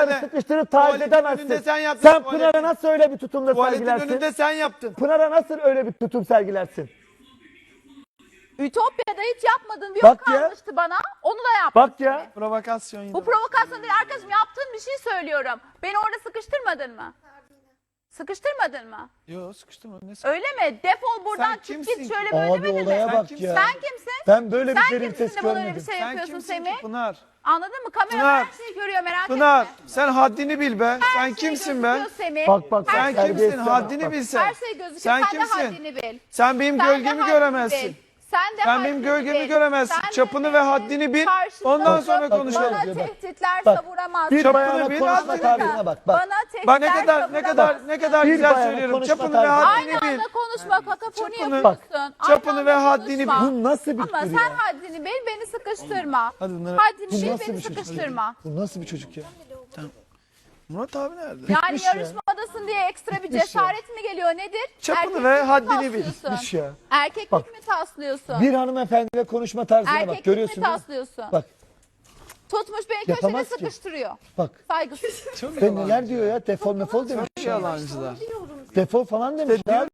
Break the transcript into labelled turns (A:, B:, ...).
A: Pınar'ı sıkıştırıp taciz
B: Tuvaletin
A: edemezsin.
B: önünde sen yaptın,
A: Sen
B: tuvaletin.
A: Pınar'a nasıl öyle bir tutumda
B: Tuvaletin
A: sergilersin?
B: önünde sen yaptın.
A: Pınar'a nasıl öyle bir tutum sergilersin?
C: Ütopya'da hiç yapmadığın bir
A: Bak
C: yok
A: ya.
C: kalmıştı bana. Onu da yaptın.
A: Bak ya.
B: Provokasyon yine.
C: Bu provokasyon değil arkadaşım, yaptığın bir şey söylüyorum. Beni orada sıkıştırmadın mı? Sıkıştırmadın mı?
B: Yok sıkıştırma. Ne sıkıştırma?
C: Öyle mi? Defol buradan,
B: Sen
C: çık
B: kimsin
C: git,
B: ki?
C: şöyle böyle
A: Abi
C: demedin
A: olaya
C: mi?
A: bak
B: kimsin?
A: ya.
C: Sen kimsin?
A: Ben böyle bir
C: Sen
A: derin
C: kimsin
A: ses
C: de bana öyle bir
A: görmedim.
C: şey
B: Sen
C: yapıyorsun
B: kimsin
C: Semih?
B: ki Pınar?
C: Anladın mı? Kamera
B: Pınar.
C: her şeyi görüyor, merak
B: Pınar
C: etme.
B: sen haddini bil be.
C: Her
B: Sen
C: şey
B: kimsin
C: gözüküyor
B: be?
C: Semih.
A: Bak bak
C: Her
B: Sen
C: şey
A: bak,
B: kimsin?
A: terbiyesiz
B: Haddini
A: bak.
B: bilsen.
C: Her şey gözüküyor.
B: Sen
C: Sen
B: kimsin?
C: de haddini bil.
B: Sen benim
C: Sen de
B: gölgemi
C: haddini
B: göremezsin.
C: bil. Sen de
B: Sen benim
C: haddini
B: gölgemi
C: bil.
B: göremezsin.
C: Sen de
B: Çapını ve
C: benim
B: haddini bil.
C: karşımda
B: Ondan
C: durup
B: sonra konuşalım.
C: Bana
A: Bak, bak.
C: tehditler
A: Bak,
C: savuramazsın.
A: Bir
B: Çapını
A: bayana
B: bil,
A: konuşma
B: haddini
A: tarzına bak. Bak.
C: Bana tehditler
B: Bak ne kadar
A: Bir
B: güzel
A: bayana
B: söylüyorum.
A: konuşma
B: Çapını ve
A: tarzı.
B: haddini
C: Aynı
B: bil.
C: anda konuşma, kakafoni
B: Çapını-
C: yapıyorsun.
B: Çapını
C: Aynı
B: ve
C: anda
B: haddini
C: konuşma.
A: Bu nasıl bir
C: Ama
A: tür
C: sen
A: ya?
C: haddini bil, beni sıkıştırma.
B: Hadi bunları-
C: Haddini
A: Bu
C: bil,
A: nasıl
C: beni
A: bir çocuk?
C: sıkıştırma.
A: Bu nasıl bir çocuk ya?
B: Murat abi nerede?
C: Yani
A: Bitmiş ya.
C: yarışmadasın diye ekstra bir
A: Bitmiş ya.
C: cesaret mi geliyor, nedir?
B: Çapını
C: Erkeklik
B: ve
C: mi
B: haddini bil.
C: taslıyorsun?
A: Bitmiş ya.
C: Erkeklik
A: Bak.
C: mi taslıyorsun?
A: Bir hanımefendiyle konuşma tarzına bak.
C: Erkeklik
A: Görüyorsun
C: mi
A: değil mi?
C: taslıyorsun?
A: Bak
C: Tutmuş beni köşede
A: Yapamaz ki.
C: sıkıştırıyor.
A: bak.
C: Saygısız.
B: Çok
A: Sen neler diyor ya? Defol mefol demiş.
B: yalancılar.
A: Defol falan demiş. ya.